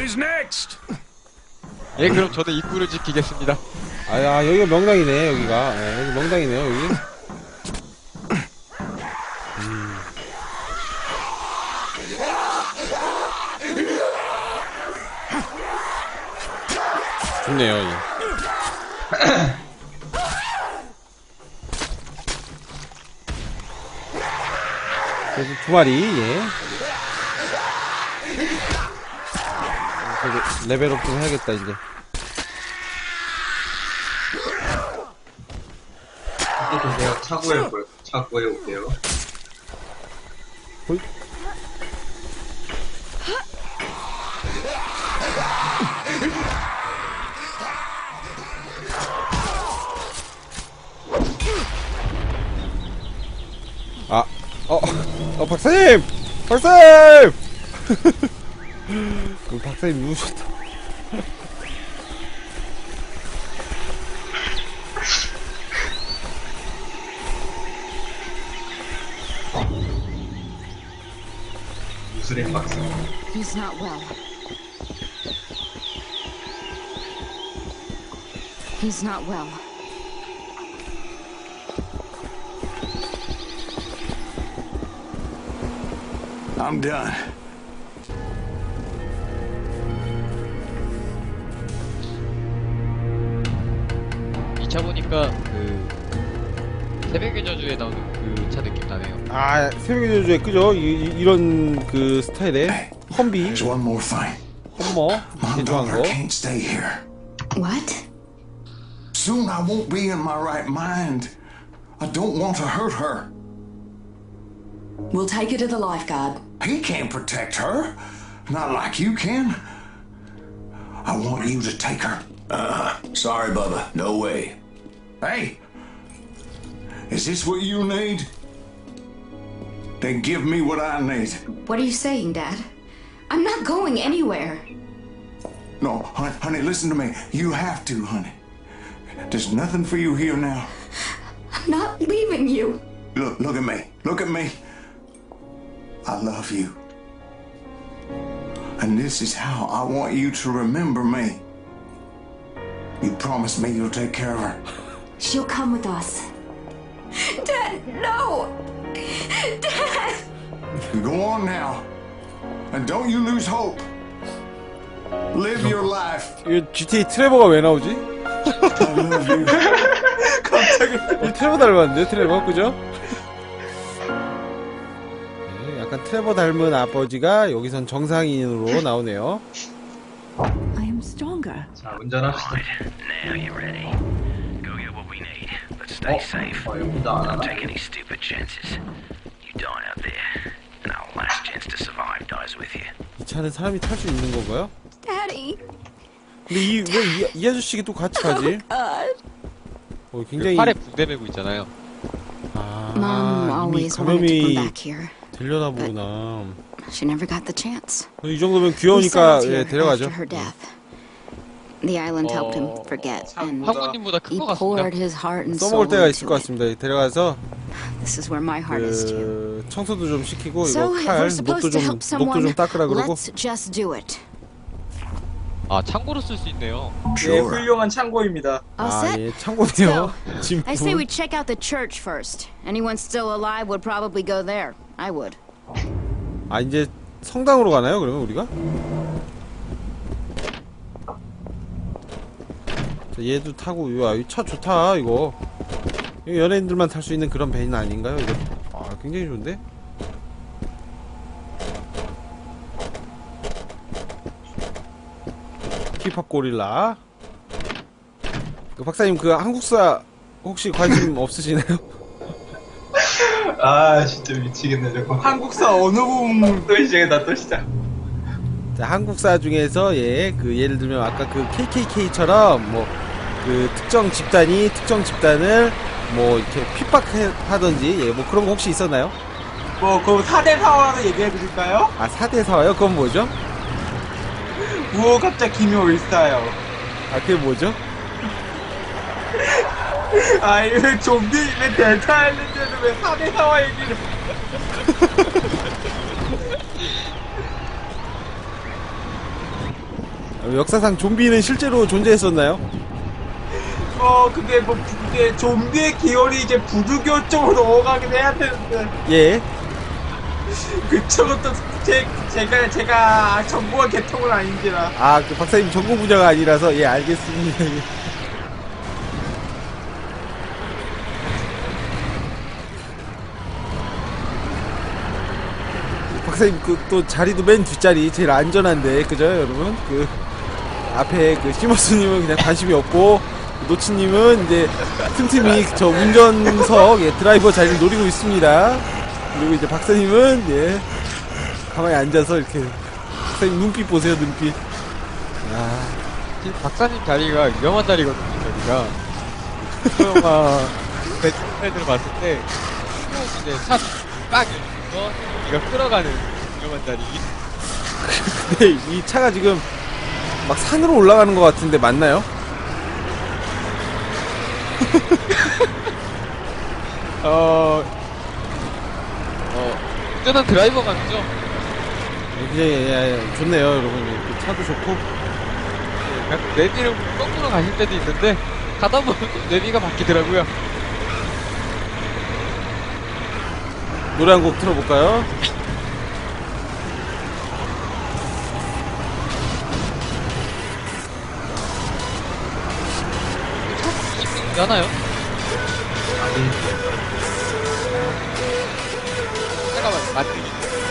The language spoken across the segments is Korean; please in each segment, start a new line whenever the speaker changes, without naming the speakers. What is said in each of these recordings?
예, 그럼 저는 입구를 지키겠습니다.
아야, 여기가 명당이네, 여기가. 예, 여기 명당이네요, 여기. 좋네요, 예. 그래서 두 마리, 예. 그래도 레벨업 좀 해야겠다, 이제.
내가 차고해 올게요.
홀. 박사님! 박사님! 박사님 누우셨다.
무술의 박사.
He's not well. He's not well.
I'm done.
이 차 보니까 그 새벽의 저주에 나오는 그 차 느낌 나네요.
아, 새벽의 저주에 그죠? 이런 그 스타일의 험비,
There's one more thing.
험머,
My
개조한
daughter
거.
can't stay here.
What?
Soon I won't be in my right mind. I don't want to hurt her.
We'll take her to the lifeguard.
He can't protect her. Not like you can. I want you to take her.
Sorry, Bubba. No way.
Hey! Is this what you need? Then give me what I need.
What are you saying, Dad? I'm not going anywhere.
No, honey, listen to me. You have to, honey. There's nothing for you here now.
I'm not leaving you.
Look at me. Look at me. I love you. And this is how I want you to remember me. You promise me you'll take care of her.
She'll come with us.
Dad, no! Dad!
Go on now. And don't you lose hope. Live your life.
이거 GTA 트레버가 왜 나오지?
I love you.
트레버 닮았는데, 트레버, 그죠? 네, 약간 트레버 닮은 아버지가 여기선 정상인으로 나오네요.
I am stronger.
자, 운전합시다.
Now you're ready. Go get what we need, but stay safe.
여기도 안
Don't
하나?
take any stupid chances. You die out there, and our last chance to survive dies with you.
이 차는 사람이 탈 수 있는 건가요?
Daddy!
근데 왜 이 아저씨가 또 같이 가지? 굉장히.
팔에 붕대 메고 있잖아요.
Mom
이미
always wanted to come
감염이
back here.
되려나 보구나.
She never got the chance.
이 정도면
We
귀여우니까
settled
예,
here
데려가죠.
after her death. The island helped him forget, and
황후님보다 큰
he
것 같습니다.
poured his heart and soul
써먹을 때가 있을
into
것
it.
같습니다. 데려가서
This is where my heart is too.
그 청소도 좀 시키고
So
이거
if
칼
we're supposed to help
목도 좀
someone,
닦으라 그러고.
let's just do it.
아, 창고로 쓸 수 있네요.
예, 훌륭한 창고입니다.
All set?
예, 창고네요. 짐.
I say we check out the church first. Anyone still alive would probably go there. I would.
아, 이제 성당으로 가나요? 그러면 우리가? 자, 얘도 타고, 이 차 좋다, 이거. 이거 연예인들만 탈 수 있는 그런 밴 아닌가요, 이거? 아, 굉장히 좋은데? 힙합 고릴라. 그 박사님, 그 한국사 혹시 관심 없으시나요?
아, 진짜 미치겠네, 저거. 한국사 어느 부분 또 시작이다, 또 시작.
자, 한국사 중에서 그 예를 들면 아까 그 KKK처럼 뭐 그 특정 집단을 뭐 이렇게 핍박하던지 뭐 그런 거 혹시 있었나요?
그럼 4대 사화로 얘기해드릴까요?
아, 4대 사화요? 그건 뭐죠?
무호갑자 기묘 일사요.
아, 그게 뭐죠?
아, 이거 좀비맨 대타했는데도 왜 4대 사화 얘기를.
역사상 좀비는 실제로 존재했었나요?
근데 뭐 이제 좀비의 기원이 이제 부두교 쪽으로 넘어가긴 해야 되는데
예.
그쪽은 또 제가 정보가 개통은 아닌지라.
아, 그 박사님 전공 분야가 아니라서 예, 알겠습니다. 예. 박사님 그 또 자리도 맨 뒷자리 제일 안전한데 그죠 여러분? 그 앞에 그 시머스님은 그냥 관심이 없고 노치님은 이제 틈틈이 저 운전석 예, 드라이버 자리를 노리고 있습니다. 그리고 이제 박사님은 예 가만히 앉아서 이렇게 박사님 눈빛 보세요 눈빛. 아,
지금 박사님 자리가 위험한 자리거든요, 저기가. 영화 배틀들 봤을 때, 이제 빡 이러면서 여기가 끌어가는 위험한 자리.
근데 이 차가 지금 막 산으로 올라가는 것 같은데 맞나요?
운전한 드라이버가 아니죠?
예, 좋네요 여러분. 그 차도 좋고.
그냥 내비를 거꾸로 가실 때도 있는데, 가다 보면 또 내비가 바뀌더라고요.
노래 한 곡 틀어볼까요?
하나요? 잠깐만, 맞지?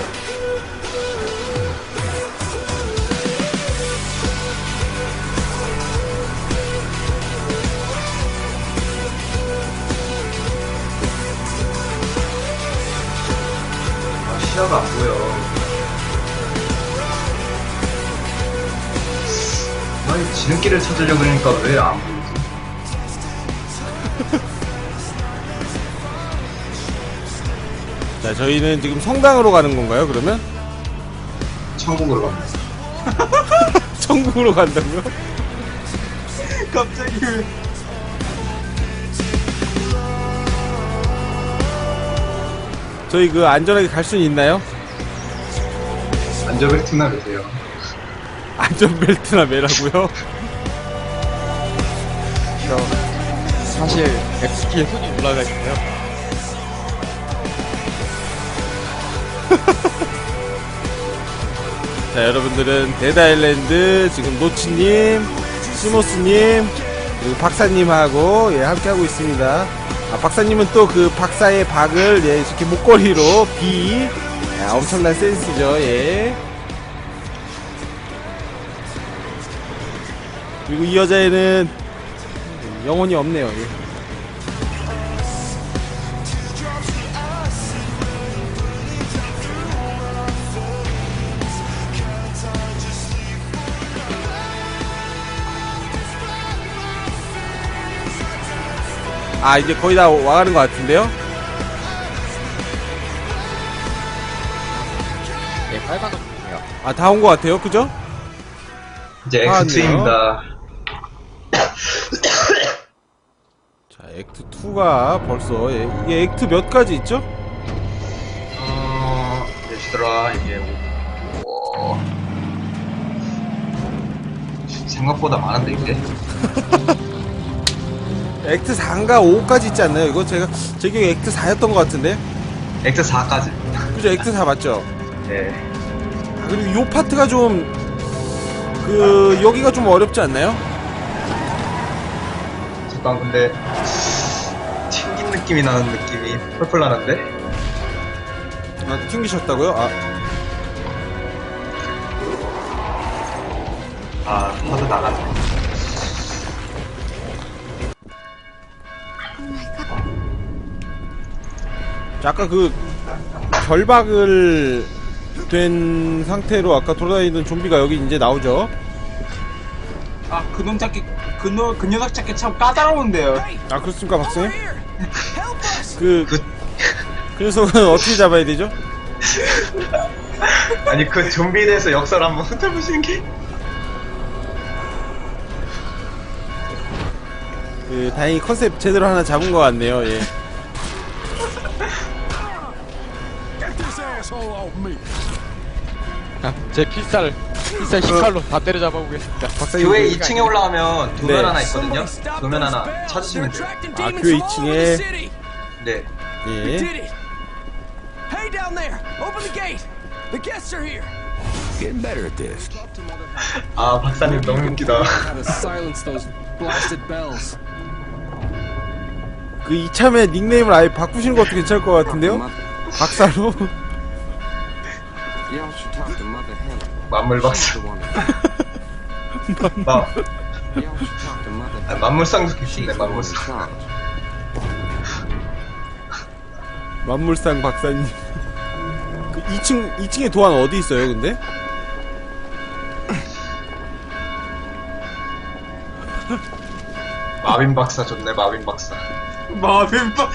시야가 안 보여.
아니 지름길을 찾으려고 그러니까 왜 안 보이지?
자, 저희는 지금 성당으로 가는 건가요 그러면?
천국으로 갑니다.
천국으로 간다고요?
갑자기
저희 그 안전하게 갈 수는 있나요?
안전벨트나 매세요.
안전벨트나 매라고요?
사실, X키에 손이 올라가 있네요.
자, 여러분들은 데드아일랜드 지금 노치님, 시모스님, 그리고 박사님하고 예, 함께하고 있습니다. 아, 박사님은 또 그 박사의 박을 예, 이렇게 목걸이로 B. 야, 엄청난 센스죠. 예. 그리고 이 여자애는 영혼이 없네요. 예. 아, 이제 거의 다 와가는 것 같은데요?
예, 빨간 옷이에요.
아, 다 온 것 같아요. 그죠?
이제
아,
X2입니다.
자, 액트 2가 벌써 예, 이게 액트 몇 가지 있죠?
예시더라 이게 생각보다 많은데 이게.
액트 4인가 5까지 있지 않나요? 이거 제 기억에 액트 4였던 것 같은데.
X4까지.
그죠? 액트 4 맞죠?
네.
아, 그리고 요 파트가 좀 여기가 좀 어렵지 않나요?
잠깐 근데 튕긴 느낌이 나는 느낌이 펄펄 나는데.
아, 튕기셨다고요?
하도 나갔네.
자, 아까 그 결박을 된 상태로 아까 돌아다니던 좀비가 여기 이제 나오죠.
그놈 찾기 그 녀석 찾기 참 까다로운데요.
아, 그렇습니까, 박사님? 그 녀석은 어떻게 잡아야 되죠?
아니 그 좀비에 대해서 역사를 한번 훑어보시는 게.
다행히 컨셉 제대로 하나 잡은 것 같네요. 예.
제 필살 18로 다 때려잡아 보겠습니다.
교회 2층에 올라가면 도면
네.
하나 있거든요. 도면 하나 찾으시면 돼요.
아, 교회 2층에
네.
예.
Hey down there! Open the gate! The guests are here!
Getting better at this.
아 박사님 너무 웃기다.
How to silence those blasted bells.
그 이참에 닉네임을 아예 바꾸시는 것도 괜찮을 것 같은데요? 박사로?
만물 박사. 만물상도 계신데 만물상.
만물상 박사님. 그 2층에 도안 어디 있어요, 근데?
마빈 박사 좋네 마빈 박사.
마빈 박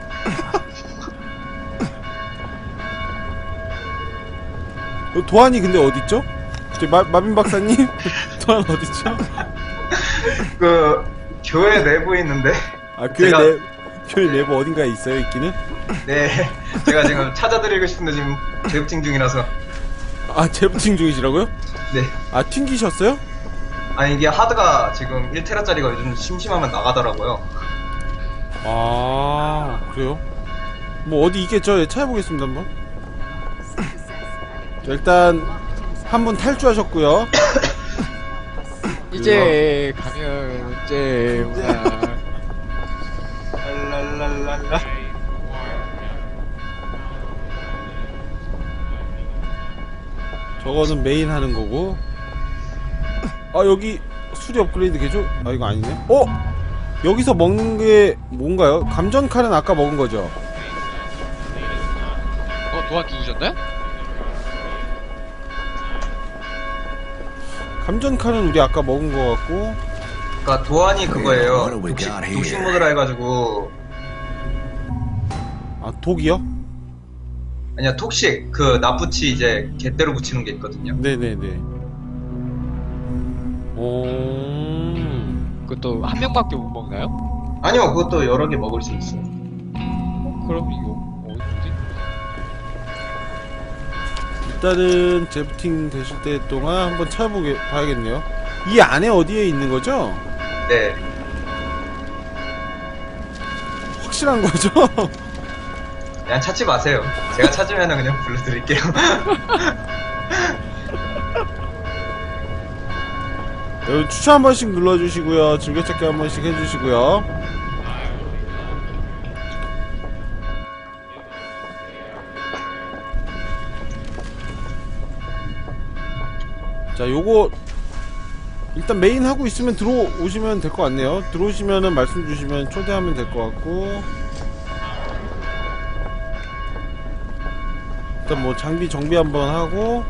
도안이 근데 어딨죠? 마빈 박사님? 도안 어딨죠?
그 교회 내부에 있는데.
아, 교회
제가-
교회 내부 어딘가에 있어요, 있기는?
네. 제가 지금 찾아드리고 싶은데 지금 재부팅 중이라서.
아, 재부팅 중이시라고요?
네.
아, 튕기셨어요?
아니 이게 하드가 지금 1테라짜리가 요즘 심심하면 나가더라고요.
아, 그래요? 뭐 어디 있겠죠? 예, 찾아보겠습니다, 한번. 자, 일단 한 분 탈주하셨고요.
이제 가면 이제
랄랄랄랄라.
저거는 메인 하는 거고. 아, 여기 수리 업그레이드 개조? 아, 이거 아니네. 여기서 먹는 게 뭔가요? 감전 칼은 아까 먹은 거죠?
도안 죽으셨나요?
감전 칼은 우리 아까 먹은 거 같고.
그러니까 도안이 그거예요.
What do we got here?
독식 모드라 해가지고.
아, 독이요?
아니야 톡식 그 납붙이 이제 갯대로 붙이는 게 있거든요.
네네네.
그것도 한 명밖에 못 먹나요?
아니요 그것도 여러 개 먹을 수 있어요.
그럼 이거 어디지?
일단은 재부팅 되실 때 동안 한번 봐야겠네요. 이 안에 어디에 있는 거죠?
네.
확실한 거죠?
그냥 찾지 마세요. 제가 찾으면 그냥 불러드릴게요.
여러분 추천 한 번씩 눌러주시고요. 즐겨찾기 한 번씩 해주시고요. 자, 요거 일단 메인 하고 있으면 들어오시면 될 것 같네요. 들어오시면은 말씀 주시면 초대하면 될 것 같고. 일단 뭐 장비 정비 한번 하고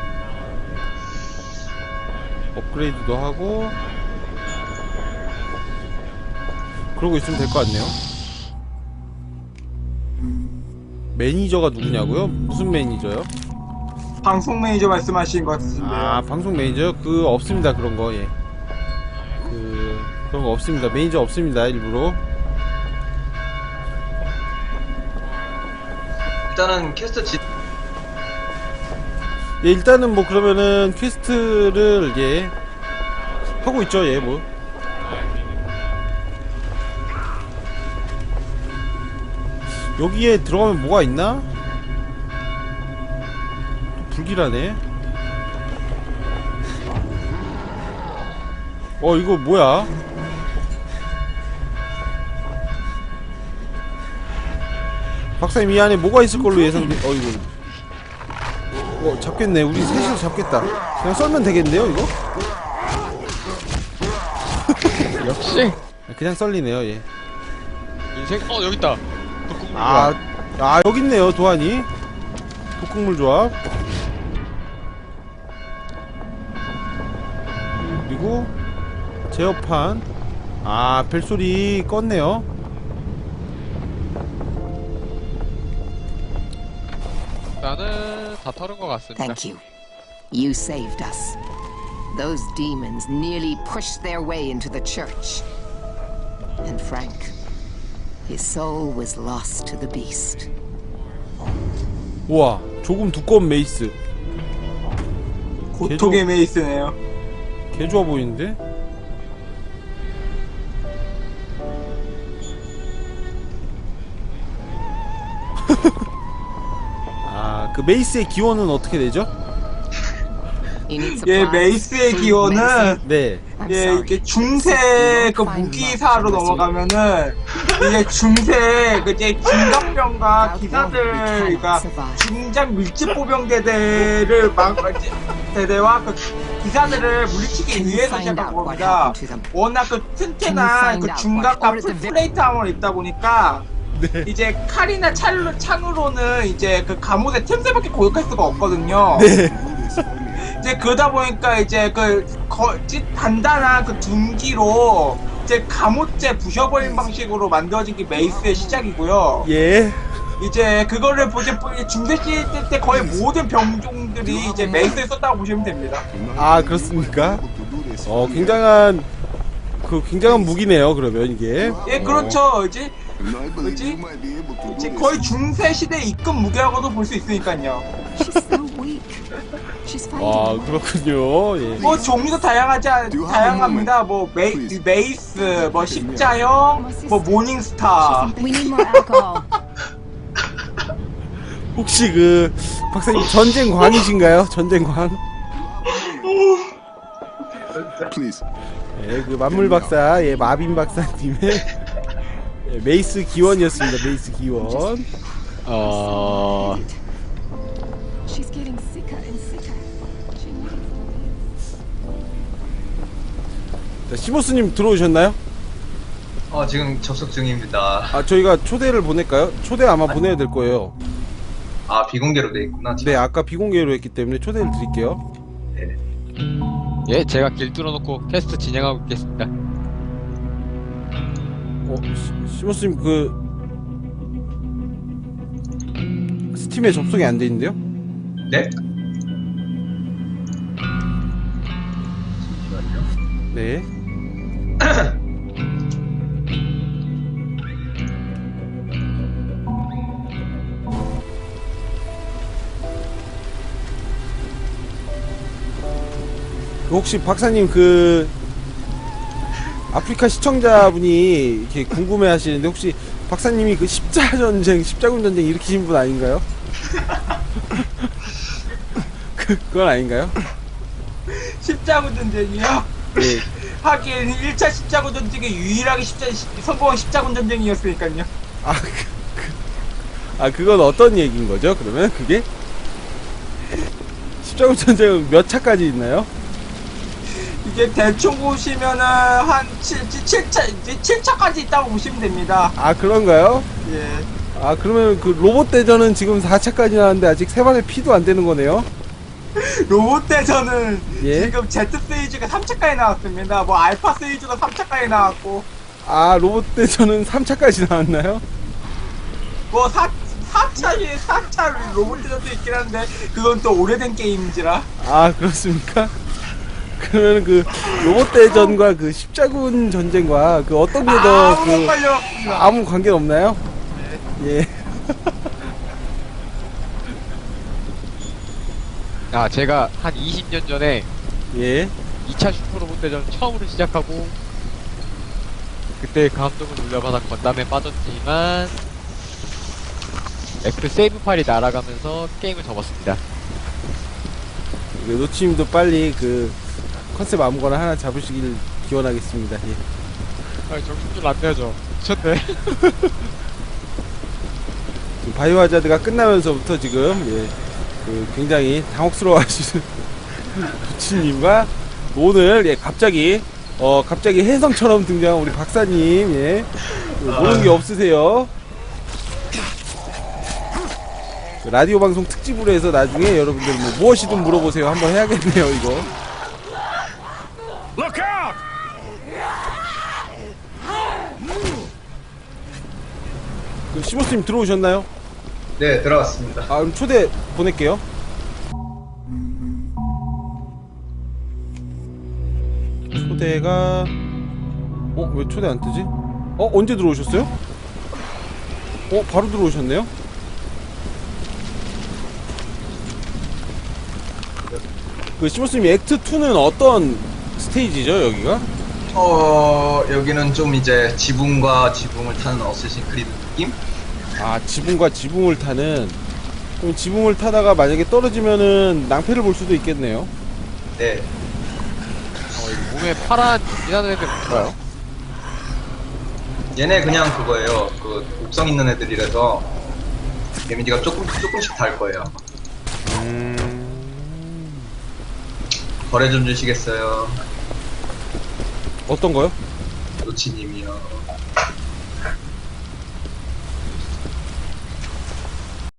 업그레이드도 하고 그러고 있으면 될 것 같네요. 매니저가 누구냐고요? 무슨 매니저요?
방송 매니저 말씀하신 것 같은데요.
아, 방송 매니저요? 없습니다. 그런 거. 예. 그런 거 없습니다. 매니저 없습니다. 일부러.
일단은 퀘스트
예, 일단은 뭐 그러면은 퀘스트를 예 하고 있죠. 예, 뭐. 여기에 들어가면 뭐가 있나? 또 불길하네. 이거 뭐야? 박사님, 이 안에 뭐가 있을 걸로 예상돼. 이거 잡겠네. 우리 셋이서 잡겠다. 그냥 썰면 되겠는데요, 이거?
역시
그냥 썰리네요, 예.
인생 여기 있다. 독국물
여기 있네요, 도안이. 독극물 조합. 그리고 제어판. 벨소리 껐네요.
나는 다 털은 것 같습니다.
Thank you. You saved us. Those demons nearly pushed their way into the church. And Frank, his soul was lost to the beast.
우와, 조금 두꺼운 메이스.
고통의 메이스네요.
개 좋아 보이는데? 아, 그 메이스의 기원은 어떻게 되죠?
예, 메이스의 기원은
네.
예, 이렇게 중세 그 무기사로 넘어가면은 이제 중세 그 이제 중갑병과 기사들, 그러니까 중장 밀집보병대대를 대대와 그 기사들을 물리치기 위해서 시작한 겁니다. 워낙 그 튼튼한 그 중갑과 풀플레이트 아머를 입다 보니까
네.
이제 칼이나 창으로는 이제 그 갑옷의 틈새밖에 공격할 수가 없거든요.
네.
이제 그러다 보니까 이제 단단한 그 둔기로 이제 갑옷재 부셔버린 방식으로 만들어진 게 메이스의 시작이고요.
예.
이제 그거를 중세 시대 때 거의 모든 병종들이 이제 메이스에 썼다고 보시면 됩니다.
아, 그렇습니까? 굉장한 무기네요, 그러면 이게.
예, 그렇죠. 이제 거의 중세 시대 입금 무기라고도 볼 수 있으니까요.
와, 그렇군요. 예.
뭐 종류도 다양합니다. 뭐 메이스, 뭐 십자형, 뭐 모닝스타.
We need more alcohol.
혹시 그 박사님 전쟁광이신가요? 전쟁광? 예, 그 만물 박사, 예, 마빈 박사님의 예, 메이스 기원이었습니다. 메이스 기원.
She's getting sicker and sicker. She needs
자, 시모스님 들어오셨나요?
지금 접속 중입니다.
아, 저희가 초대를 보낼까요? 초대 아마 보내야 될 거예요.
아, 비공개로 돼 있구나.
네, 아까 비공개로 했기 때문에 초대를 드릴게요.
네.
예, 제가 길 뚫어놓고 퀘스트 진행하고 있겠습니다.
시모스님 그 스팀에 접속이 안 돼 있는데요?
네?
네. 혹시 박사님 그 아프리카 시청자분이 이렇게 궁금해 하시는데 혹시 박사님이 그 십자군 전쟁 일으키신 분 아닌가요? 그건 아닌가요?
십자군 전쟁이요?
네.
하긴 1차 십자군 전쟁이 유일하게 성공한 십자군 전쟁이었으니까요.
그건 어떤 얘기인 거죠? 그러면 그게? 십자군 전쟁은 몇 차까지 있나요?
이게 대충 보시면은 한 7차까지 있다고 보시면 됩니다.
아, 그런가요?
예.
아, 그러면 그 로봇 대전은 지금 4차까지 나왔는데 아직 세 발의 피도 안 되는 거네요?
로봇 대전은
예?
지금 Z 시리즈가 3차까지 나왔습니다. 뭐 알파 시리즈가 3차까지 나왔고.
아, 로봇 대전은 3차까지 나왔나요?
뭐 4차 로봇 대전도 있긴 한데 그건 또 오래된 게임인지라.
아, 그렇습니까? 그러면 그 로봇 대전과 그 십자군 전쟁과 그 어떤 게 더 아무 관계 없나요? 네. 예.
제가 한 20년 전에
예.
2차 슈퍼로봇 대전 처음으로 시작하고 그때 감독을 올려받아 건담에 빠졌지만 F 세이브 파일이 날아가면서 게임을 접었습니다.
노치님도 빨리 그 컨셉 아무거나 하나 잡으시길 기원하겠습니다. 예.
정신줄 안 내죠. 미쳤네.
바이오 하자드가 끝나면서부터 지금 예, 그 굉장히 당혹스러워하시는 노치님과 오늘 예, 갑자기 혜성처럼 등장한 우리 박사님 예, 모르는 게 없으세요. 라디오 방송 특집으로 해서 나중에 여러분들 무엇이든 물어보세요 한번 해야겠네요 이거.
Look out!
그 시모스님 들어오셨나요?
네, 들어왔습니다.
아, 그럼 초대 보낼게요. 초대가 왜 초대 안 뜨지? 언제 들어오셨어요? 바로 들어오셨네요? 그 시모스님 액트 2는 어떤 스테이지죠 여기가?
여기는 좀 이제 지붕과 지붕을 타는 어쌔신 크리드 느낌?
아 지붕과 지붕을 타는. 그럼 지붕을 타다가 만약에 떨어지면은 낭패를 볼 수도 있겠네요.
네.
이 몸에 파란 빛나는 애들 뭔가요?
얘네 그냥 그거예요. 그 독성 있는 애들이라서 데미지가 조금씩 달 거예요. 거래 좀 주시겠어요?
어떤 거요?
노치님이요.